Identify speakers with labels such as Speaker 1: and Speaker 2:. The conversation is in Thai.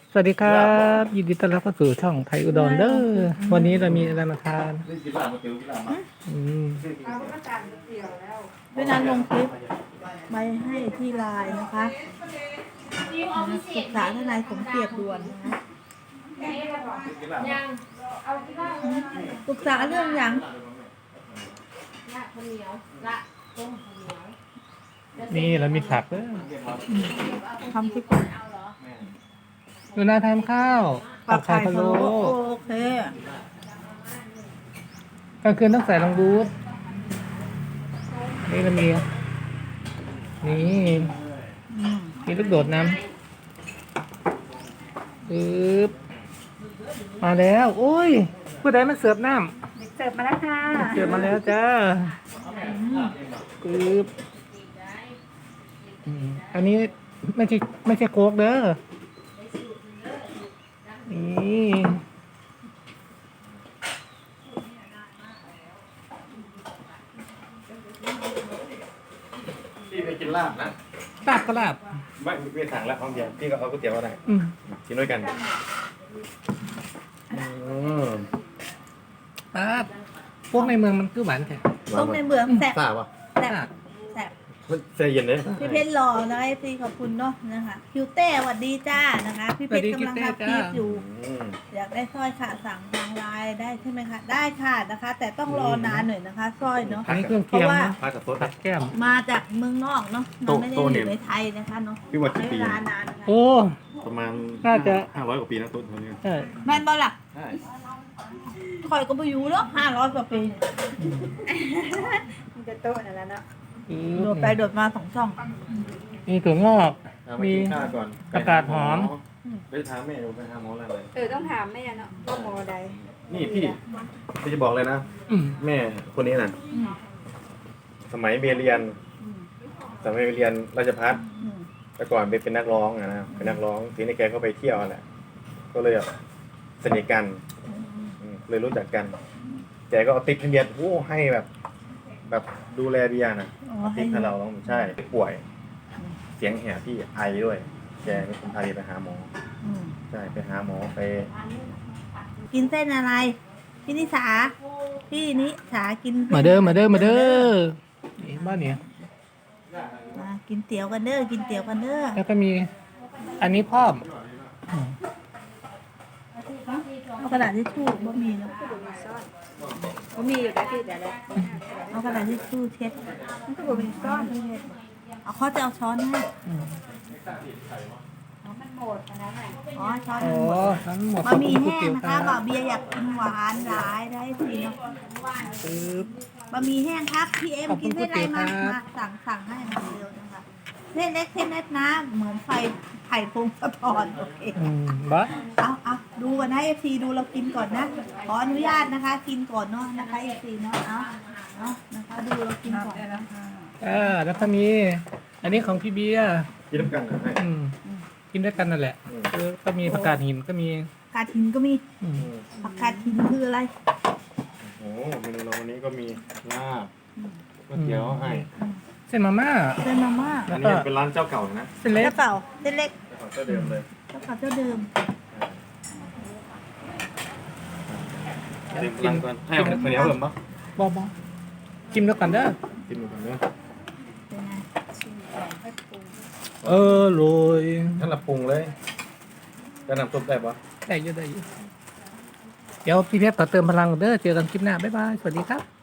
Speaker 1: สวัสดีครับยินดีต้อนรับเข้าสู่ช่องไทยอุดรเด้อวันนี้เรามีอะไรมาทานอืม
Speaker 2: เวลาลงคลิปไปให้ที่ไลน์นะคะปรึกษาทนายสมเกียรติด่วนนะคะปรึกษาเรื่องอย่าง
Speaker 1: นี่เรามีผักเด้อ
Speaker 2: ทำที่ก่อน
Speaker 1: ดูน่าทานข้าวผักไข่พะโล้
Speaker 2: โอเค
Speaker 1: กลางคืนต้องใส่รองรูทนี่เรามีนี่
Speaker 2: อืม
Speaker 1: มีลูกโดดน้ำปึ๊บมาแล้วโอ้ยผู้ใดมาเสิร์ฟน้ำ
Speaker 3: เสิร์ฟมาแล้วค่ะ
Speaker 1: เสิร์ฟมาแล้วจ้าปึ๊บอันนี้ไม่ใช่โค้กเด้อนี่
Speaker 4: พี่ไปกินลาบนะ
Speaker 1: ลาบก็ลาบ
Speaker 4: ไม่สั่งแล้วพร้อมเดียวพี่ก็เอาก๋วยเตี๋ยวก็ได้
Speaker 1: อืม
Speaker 4: กินด้วยกัน
Speaker 1: ลาบพวกในเมืองมันคือหวานแท้
Speaker 2: ต้มในเมืองแซ่บ
Speaker 4: ทราบป่ะ
Speaker 2: แซ่บแซ่บ
Speaker 4: ใจเย็นเลย
Speaker 2: พี่เพชรรอนะพี่ขอบคุณเนาะนะคะคิวเต้สวัสดีจ้านะคะพี่เพชรกำลังทำคลิปอยู่ อยากได้สร้อยค่ะสั่งทางไลน์ได้ใช่ไหมคะได้ค่ะนะคะ แต่ต้องรอนานหน่อยนะคะสร้อยเนาะ
Speaker 1: อันนี้เครื่องเคียง
Speaker 2: เพราะว่า
Speaker 1: นะ
Speaker 4: พากับโต๊ะ
Speaker 1: ผัดแก้ม
Speaker 2: มาจากเมืองนอกเนาะมันไม่ได้
Speaker 4: โต
Speaker 2: อ
Speaker 4: เนี่ย
Speaker 2: ยู่ในไทยนะคะเนาะ
Speaker 4: พี่ว่ากี่
Speaker 2: ใช้
Speaker 4: ปี
Speaker 2: เวลานานนะคะ
Speaker 1: โอ้
Speaker 4: ประมาณ
Speaker 1: น่าจะ
Speaker 4: 500 กว่าปีนะโต๊ะเท่านี้
Speaker 1: ใช่
Speaker 2: แม่นบอล่ะ
Speaker 4: ใช่
Speaker 2: คอยก็ไปอยู่แล้ว500 กว่าปี
Speaker 3: มันจะโต๊ะนั่นแหละเนาะ
Speaker 2: โดดไปโดดมา2 ช่อง
Speaker 1: มีถั่วงอก
Speaker 4: มี
Speaker 1: มี
Speaker 4: ข้าวก่อน
Speaker 1: ผักกาดหอม
Speaker 4: ไปถามแม่ดูไปหาหมออะไรเลย
Speaker 3: ต้องถามแม่เนาะว่าหมอใด
Speaker 4: นี่พี่จะบอกเลยนะ
Speaker 1: อืม
Speaker 4: แม่คนนี้น่ะ
Speaker 2: อืม
Speaker 4: สมัยเรียน
Speaker 2: อืม
Speaker 4: สมัยเรียนราชภัฏ
Speaker 2: อืม
Speaker 4: แต่ก่อนเป็นนักร้องอะนะเป็นนักร้องทีนี้แกก็ไปเที่ยวแหละก็เลยแบบสนิทกันเลยรู้จักกันแกก็เอาติ๊กให้เบียร์โอ้ให้แบบดูแลเบียร์นะ
Speaker 2: อ๋อ
Speaker 4: ติ๊กให้เราต้องใช่ป่วย เสียงแหบพี่ไอด้วย แกเป็นคนพาเบียร์ไปหาหมอ
Speaker 2: อืม
Speaker 4: ใช่ไปหาหมอไป
Speaker 2: กินเส้นอะไร พี่นิสาพี่นิสากินส้น
Speaker 1: มาเด้อมาเด้อมาเด้อนี่บ้านเนี่ย
Speaker 2: มากินเตี๋ยวกันเด้อกินเตี๋ยวกันเด้อ
Speaker 1: แล้วก็มีอันนี้พร้อม
Speaker 2: เอากระดาษทิชชู่บ่มีเนาะ
Speaker 3: เขามีอยู่แต่ที่แต่ละ
Speaker 2: เอากระดาษทิชชู่เช็ด
Speaker 3: มันก็บอกเป็นซ่อน
Speaker 2: เอาเขาจะเอาช้อนให้
Speaker 3: มันหมดนะไหน
Speaker 2: อ๋อช้อน
Speaker 1: โอ้
Speaker 2: มันหมด
Speaker 1: ทั้งหมด
Speaker 2: บะหมี่แห้ง
Speaker 1: ก๋วย
Speaker 2: นะ
Speaker 1: เตี๋
Speaker 2: คะ
Speaker 1: ยว
Speaker 2: บ่าวเบียร์อยากกินหวานหลายได้สิเนาะ
Speaker 1: ปึ๊บบ
Speaker 2: ะหมี่แห้งครับพี่เอ็ม
Speaker 1: ขอบคุ
Speaker 2: กิ
Speaker 1: ณ
Speaker 2: นเส้นอะไรมา
Speaker 1: ก๋วยเตี๋ยวครับ
Speaker 2: มาสั่งให้มาเร็วนะคะเส้นเล็กเส้นเล็กนะเหมือนไฟไผ่พงสะท้อนโอเค
Speaker 1: บ้า
Speaker 2: เอาดูกันนะเอฟซีดูเรากินก่อนนะ ขออนุญาตนะคะ กินก่อนเนาะนะคะเอฟซีเนาะเอานะคะดูเรากินก่อนนะคะ
Speaker 1: แล้วก็มี อันนี้ของพี่เบียร์
Speaker 4: กินน้ำกันนะให้
Speaker 1: กินด้วยกันนั่นแหละก็มีผักกาดหินก็มี
Speaker 2: ผักกาดหินก็มี
Speaker 1: อืม
Speaker 2: ผักกาดหินคืออะไร
Speaker 4: โอ้เมนูเราวันนี้ก็มีลาบก๋วยเตี๋ยวให้
Speaker 1: เส้นมาม่า
Speaker 2: เส้นมาม่า
Speaker 4: อันนี้เป็นร้านเจ้าเก่านะ
Speaker 1: เส้นเล็ก
Speaker 2: เจ้าเก่าเส้นเล็ก
Speaker 4: เจ้าเดิมเลย
Speaker 2: เจ้าเก่าเจ้าเดิม
Speaker 4: เต็มร้านก่อนให้เอาข้าวเหนียวเพิ่มปะ
Speaker 1: บอกินด้วยกันเด้อ
Speaker 4: กินหมดกันเนอะ
Speaker 2: เป็นไง
Speaker 1: โรย
Speaker 4: ท่านละปรุงเลยจะนำซุปได้ปะ
Speaker 1: ได้เยอะได้เยอะเดี๋ยวพี่เพชรขอเติมพลังก่อนเด้อเจอกันคลิปหน้าบ๊ายบายสวัสดีครับ